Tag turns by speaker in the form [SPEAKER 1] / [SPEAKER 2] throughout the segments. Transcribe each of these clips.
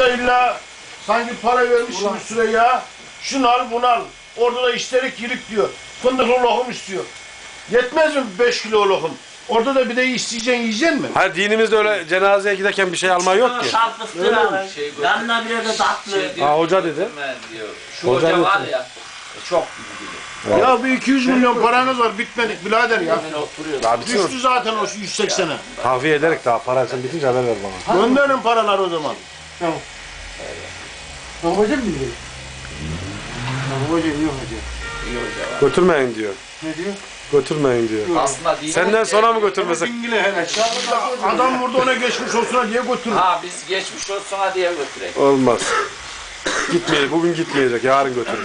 [SPEAKER 1] da illa sanki para vermiş gibi Süreyya. Şunu al bunu al. Orada da isterik yirik diyor. Fındıklı lokum istiyor. Yetmez mi 5 kilo lokum? Orada da bir de isteyeceksin yiyeceksin mi?
[SPEAKER 2] Hayır dinimizde öyle cenazeye giderken bir şey alma yok ki.
[SPEAKER 3] Şartlıktır abi. Yanına bir de tatlı.
[SPEAKER 2] Ha hoca dedi.
[SPEAKER 4] Diyor. Şu hoca var ya çok bilgili.
[SPEAKER 1] Ya bir 200 milyon paranız var bitmedik birader ya.
[SPEAKER 2] Daha bitsin.
[SPEAKER 1] Düştü zaten o 180'e.
[SPEAKER 2] Kahve ederek daha parasını bitince haber ver bana.
[SPEAKER 1] Gönderin paralar o zaman.
[SPEAKER 5] Tamam. Babacım mı diyor? Babacım yok hoca.
[SPEAKER 4] İyi hoca var.
[SPEAKER 2] Götürmeyin diyor.
[SPEAKER 5] Ne diyor?
[SPEAKER 2] Götürmeyin diyor.
[SPEAKER 4] Aslında değil.
[SPEAKER 2] Senden sonra mı götürmesek?
[SPEAKER 5] Dingile hele.
[SPEAKER 1] Adam burada ona geçmiş olsun diye götürür.
[SPEAKER 4] Ha biz geçmiş olsun diye götürek.
[SPEAKER 2] Olmaz. Gitmeyecek. Bugün gitmeyecek. Yarın götürür.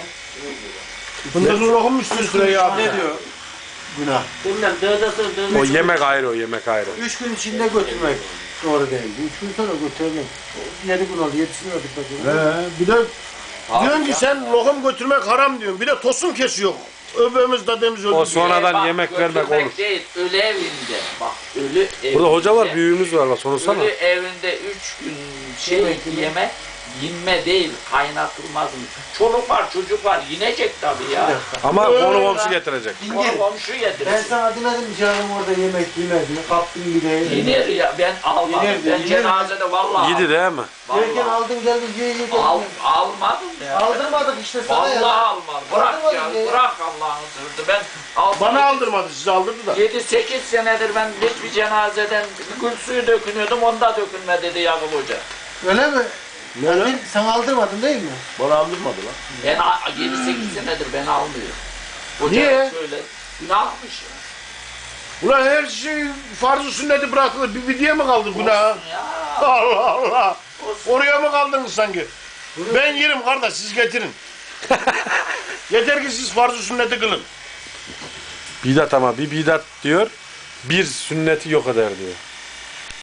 [SPEAKER 1] Fındıklı lokum istiyor Süreyya abi.
[SPEAKER 5] Ne diyor? Günah.
[SPEAKER 3] Bilmem dövdesi
[SPEAKER 2] O yemek ayrı o yemek ayrı.
[SPEAKER 5] 3 gün içinde götürmek doğru değil. 3 gün sonra götürelim. 7 gün oldu yetişmiyorduk mesela.
[SPEAKER 1] Bir de diyorsun ki sen lokum götürmek haram diyorsun. Bir de tosun kesiyor. Öbürümüz dademiz öldü.
[SPEAKER 2] O sonradan
[SPEAKER 4] Bak,
[SPEAKER 2] yemek vermek
[SPEAKER 4] götürmek
[SPEAKER 2] olur.
[SPEAKER 4] değil, ölü evinde. Bak ölü evinde.
[SPEAKER 2] Burada hoca var, büyüğümüz var. Bak sonuçta
[SPEAKER 4] Ölü evinde 3 gün yemek yinme değil, kaynatılmaz mı? Çoluk var, çocuk var, yinecek tabii ya.
[SPEAKER 2] ama konu komşu getirecek.
[SPEAKER 4] Onu komşu
[SPEAKER 5] Ben
[SPEAKER 4] yedirecek.
[SPEAKER 5] sana demedim canım orada yemek yemedi. Kaptın bir de.
[SPEAKER 4] Yiner ya, ben almadım.
[SPEAKER 5] Yiner de,
[SPEAKER 4] Ben
[SPEAKER 5] yiner
[SPEAKER 4] cenazede vallahi
[SPEAKER 2] Yedi değil mi?
[SPEAKER 5] Gelirken
[SPEAKER 4] Vallahi.
[SPEAKER 5] aldın geldin ye
[SPEAKER 4] Almadım ya.
[SPEAKER 5] Aldırmadık işte sana
[SPEAKER 4] Vallahi
[SPEAKER 5] ya.
[SPEAKER 4] almadım. Bırak ya,
[SPEAKER 5] Aldırmadın ya.
[SPEAKER 4] bırak Allah'ın sırrı. Ben
[SPEAKER 1] Bana aldırmadı, size aldırdı da.
[SPEAKER 4] 7-8 senedir ben hiçbir cenazeden gül suyu dökünüyordum, onda dökünme dedi Yakup Hoca.
[SPEAKER 5] Öyle mi?
[SPEAKER 1] Ne lan?
[SPEAKER 5] Sen aldırmadın değil mi?
[SPEAKER 1] Bana aldırmadı lan.
[SPEAKER 4] Ben 7-8 senedir ben almıyorum. Hoca
[SPEAKER 1] Niye?
[SPEAKER 4] şöyle günahmış ya.
[SPEAKER 1] Ulan her şey farz-ı sünneti bırakılır. Bir diye mi kaldı günah?
[SPEAKER 4] Olsun ya.
[SPEAKER 1] Allah Allah.
[SPEAKER 4] Olsun.
[SPEAKER 1] Oraya mı kaldınız sanki? Ben yerim kardeş, siz getirin. Yeter ki siz farz-ı sünneti kılın.
[SPEAKER 2] Bidat ama bir bidat diyor. Bir sünneti yok eder diyor.